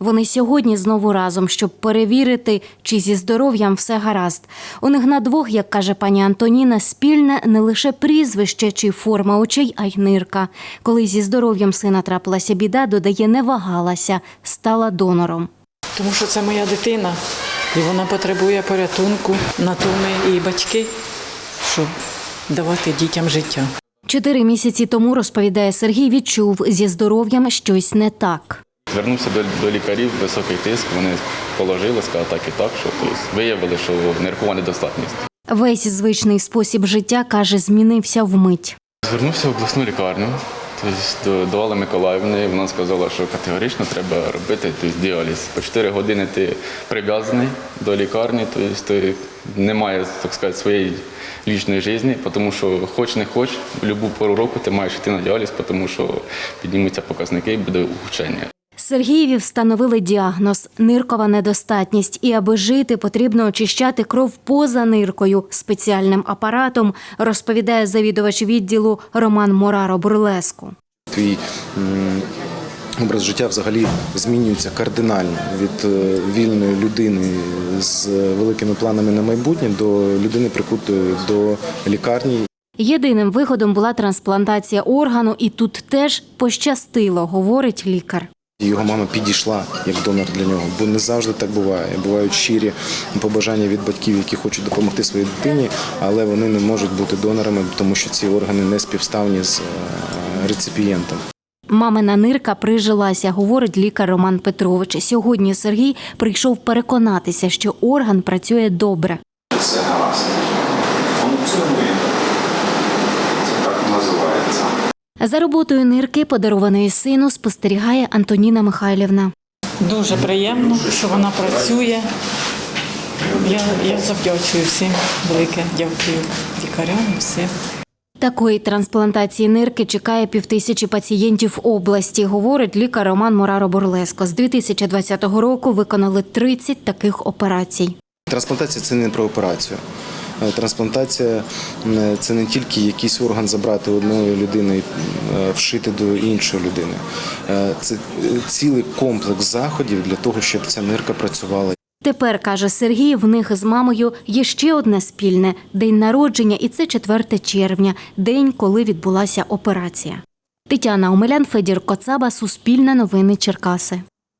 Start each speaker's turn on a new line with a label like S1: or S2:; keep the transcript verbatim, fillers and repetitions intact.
S1: Вони сьогодні знову разом, щоб перевірити, чи зі здоров'ям все гаразд. У них на двох, як каже пані Антоніна, спільне не лише прізвище чи форма очей, а й нирка. Коли зі здоров'ям сина трапилася біда, додає, не вагалася, стала донором.
S2: Тому що це моя дитина, і вона потребує порятунку, на то ми і батьки, щоб давати дітям життя.
S1: Чотири місяці тому, розповідає Сергій, відчув, зі здоров'ям щось не так.
S3: Звернувся до, до лікарів, високий тиск, вони положили, сказали так і так, що тобто, виявили, що ниркова недостатність.
S1: Весь звичний спосіб життя, каже, змінився вмить.
S3: Звернувся в обласну лікарню, тобто, до, до Алли Миколаївни, вона сказала, що категорично треба робити тобто, діаліз. По чотири години ти прив'язаний до лікарні, тобто, ти немає, так сказати, своєї лічної життя, тому що хоч не хоч, в будь-яку пору року ти маєш йти на діаліз, тому що піднімуться показники і буде ухудшення.
S1: Сергієві встановили діагноз – ниркова недостатність. І аби жити, потрібно очищати кров поза ниркою спеціальним апаратом, розповідає завідувач відділу Роман Мораро-Бурлеску.
S4: Твій м, образ життя взагалі змінюється кардинально від е, вільної людини з великими планами на майбутнє до людини, прикутої до лікарні.
S1: Єдиним виходом була трансплантація органу, і тут теж пощастило, говорить лікар.
S4: Його мама підійшла як донор для нього, бо не завжди так буває. Бувають щирі побажання від батьків, які хочуть допомогти своїй дитині, але вони не можуть бути донорами, тому що ці органи не співставні з реципієнтом.
S1: Мамина нирка прижилася, говорить лікар Роман Петрович. Сьогодні Сергій прийшов переконатися, що орган працює добре.
S5: Все гаразд. Функціонує. Це так називається.
S1: За роботою нирки, подарованої сину, спостерігає Антоніна Михайлівна.
S2: Дуже приємно, що вона працює. Я, я завдячую всім, велике дякую лікарям, всім.
S1: Такої трансплантації нирки чекає півтисячі пацієнтів області, говорить лікар Роман Мораро-Бурлеско. З дві тисячі двадцятого року виконали тридцять таких операцій.
S4: Трансплантація – це не про операцію. Трансплантація – це не тільки якийсь орган забрати одної людини і вшити до іншої людини. Це цілий комплекс заходів для того, щоб ця нирка працювала.
S1: Тепер, каже Сергій, в них з мамою є ще одне спільне – день народження, і це четверте червня, день, коли відбулася операція. Тетяна Омелян, Федір Коцаба, Суспільне новини, Черкаси.